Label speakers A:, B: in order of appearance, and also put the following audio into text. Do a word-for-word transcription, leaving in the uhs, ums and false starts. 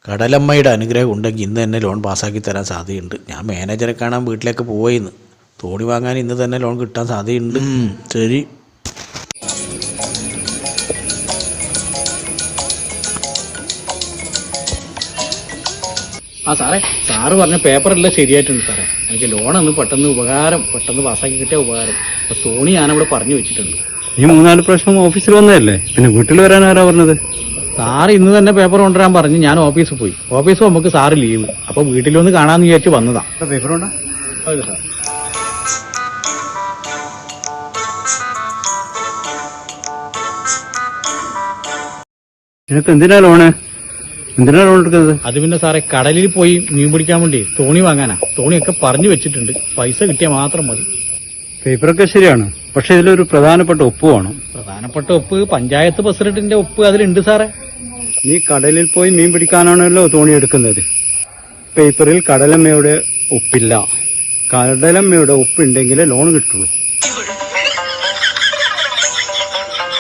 A: കടലമ്മയുടെ അനുഗ്രഹം ഉണ്ടെങ്കിൽ ഇന്ന് തന്നെ ലോൺ പാസ്സാക്കി തരാൻ സാധ്യതയുണ്ട്. ഞാൻ മാനേജറെ കാണാൻ വീട്ടിലേക്ക് പോയിന്ന്. തോണി വാങ്ങാൻ ഇന്ന് തന്നെ ലോൺ കിട്ടാൻ സാധ്യതയുണ്ട്. ശരി.
B: ആ സാറേ, സാറ് പറഞ്ഞ പേപ്പറെല്ലാം ശരിയായിട്ടുണ്ട് സാറേ. എനിക്ക് ലോണൊന്ന് പെട്ടെന്ന് ഉപകാരം പെട്ടെന്ന് പാസ്സാക്കി കിട്ടിയ ഉപകാരം. അപ്പൊ തോണി ഞാനവിടെ പറഞ്ഞു വെച്ചിട്ടുണ്ട്.
C: ഈ മൂന്നാല് പ്രാവശ്യം ഓഫീസിൽ വന്നതല്ലേ, പിന്നെ വീട്ടിൽ വരാൻ ആരാ പറഞ്ഞത്?
B: സാറ് ഇന്ന് തന്നെ പേപ്പർ കൊണ്ടുവരാൻ പറഞ്ഞ് ഞാൻ ഓഫീസിൽ പോയി. ഓഫീസിൽ നമുക്ക് സാറ് ലീവ്. അപ്പൊ വീട്ടിലൊന്ന് കാണാന്ന് വിചാരിച്ച് വന്നതാ.
C: പേപ്പറുണ്ടോ?
B: അതെ സാർ.
C: നിനക്ക് എന്തിനാ ലോണ്? എന്തിനാ ലോൺ എടുക്കുന്നത്?
B: അത് പിന്നെ സാറേ, കടലിൽ പോയി മീൻ പിടിക്കാൻ വേണ്ടി തോണി വാങ്ങാനാ. തോണിയൊക്കെ പറഞ്ഞു വെച്ചിട്ടുണ്ട്. പൈസ കിട്ടിയാൽ മാത്രം മതി.
C: പേപ്പറൊക്കെ ശരിയാണ്, പക്ഷെ ഇതിലൊരു പ്രധാനപ്പെട്ട ഒപ്പ് വേണം.
B: പ്രധാനപ്പെട്ട ഒപ്പ് പഞ്ചായത്ത് പ്രസിഡന്റിന്റെ ഒപ്പ് അതിലുണ്ട് സാറേ.
C: നീ കടലിൽ പോയി മീൻ പിടിക്കാനാണല്ലോ തോണി എടുക്കുന്നത്. പേപ്പറിൽ കടലമ്മയുടെ ഒപ്പില്ല. കടലമ്മയുടെ ഒപ്പുണ്ടെങ്കിലേ ലോൺ കിട്ടുള്ളൂ.